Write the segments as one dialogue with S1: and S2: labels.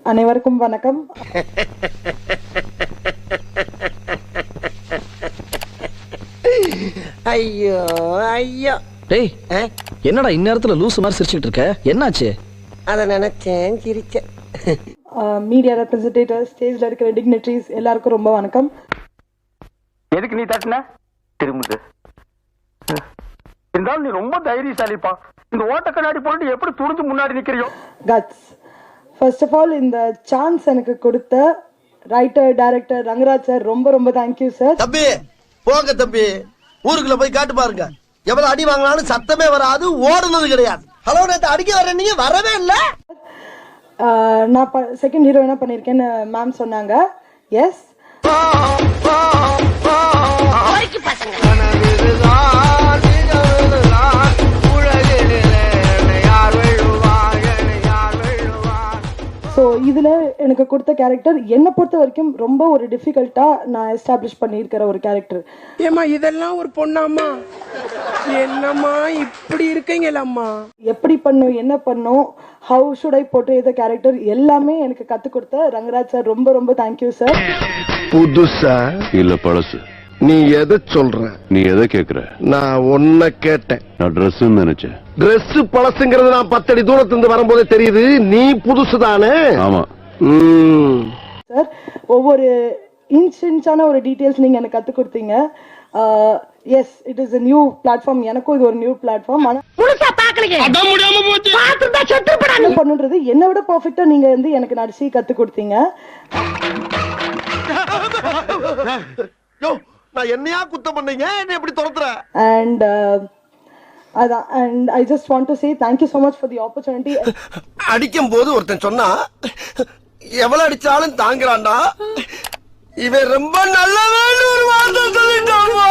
S1: அனைவருக்கும் வணக்கம்.
S2: ஐயோ ஐயோ.
S3: டேய் என்னடா இந்நேரத்துல லூசு மாதிரி சிரிச்சுட்டு இருக்க, என்னாச்சு?
S2: அத நினைச்சேன் சிரிச்சேன்.
S1: மீடியா ரெப்ரசன்டேட்டிவ், ஸ்டேஜ்ல இருக்கிற டிக்னிட்டரிஸ் எல்லாருக்கும் ரொம்ப வணக்கம்.
S4: எதுக்கு நீ தட்டின திரும்புது? இருந்தாலும் நீ ரொம்ப தைரியசாலிப்பா. இந்த ஓட்ட கண்ணாடி போட்டு எப்படி துணிஞ்சு முன்னாடி நிக்கிறியோ?
S1: கட்ஸ். ஃபர்ஸ்ட் ஆஃப் ஆல் இந்த சான்ஸ் எனக்கு கொடுத்த ரைட்டர் டைரக்டர் ரங்கராஜ் சார் ரொம்ப ரொம்ப தேங்க்யூ சார்.
S5: தம்பி போங்க தம்பி, ஊருக்குள்ள போய் காட்டு பாருங்க. எவ்வளவு அடி வாங்கினாலும் சத்தமே வராது, ஓடுனது கிடையாது. ஹலோ நேத்து அடிக்க வர நீங்க வரவே இல்ல.
S1: நான் செகண்ட் ஹீரோயினா பண்ணியிருக்கேன்னு மேம் சொன்னாங்க. எஸ். ஸோ இதில் எனக்கு கொடுத்த கேரக்டர் என்னை பொறுத்த வரைக்கும் ரொம்ப ஒரு டிஃபிகல்ட்டாக நான் எஸ்டாப்ளிஷ் பண்ணியிருக்கிற ஒரு கேரக்டர்.
S6: ஏமா இதெல்லாம் ஒரு பொண்ணாம்மா? என்னம்மா இப்படி இருக்கீங்களம்மா?
S1: எப்படி பண்ணும், என்ன பண்ணும், ஹவு ஷுட் ஐ போட்டு இந்த கேரக்டர் எல்லாமே எனக்கு கற்றுக் கொடுத்த ரங்கராஜ் சார் ரொம்ப ரொம்ப தேங்க்யூ சார்.
S7: புதுசா இல்ல பழசு? நீ எதை சொல்ற? நீ எதை கேக்குற? நான் ஒன்ன கேட்டேன். நான் ட்ரெஸ் நினைச்சேன். ட்ரெஸ் பழசுங்கிறது நான் 10 அடி தூரத்திலிருந்து வரும்போதே தெரியுது. நீ புதுசு தானே? ஆமா
S1: சார். ஒவ்வொரு இன்ச்சான ஒரு டீட்டெயில்ஸ் நீங்க எனக்கு கற்றுக் கொடுத்தீங்க. Yes, it is a new platform. எனக்கும் இது ஒரு நியூ பிளாட்ஃபார்ம். ஆனா என்ன பண்ணுன்றது என்னை விட பர்ஃபெக்டா நீங்க வந்து எனக்கு நடிச்சு கற்றுக் கொடுத்தீங்க.
S5: நான் என்னையா குத்தம் பண்ணீங்க, என்ன எப்படி துரத்துற?
S1: And I just want to say thank you so much for the opportunity.
S5: அடிக்கும் போது ஒருத்தன் சொன்னா எவ்வளவு அடிச்சாலும் தாங்குறான்டா, இவன் ரொம்ப நல்லவன் ஒரு வார்த்தை சொல்லிட்டான்.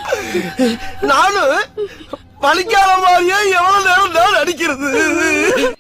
S5: நானும் பழிக்காத மாதிரியே எவ்வளவு நேரம் தான் அடிக்கிறது.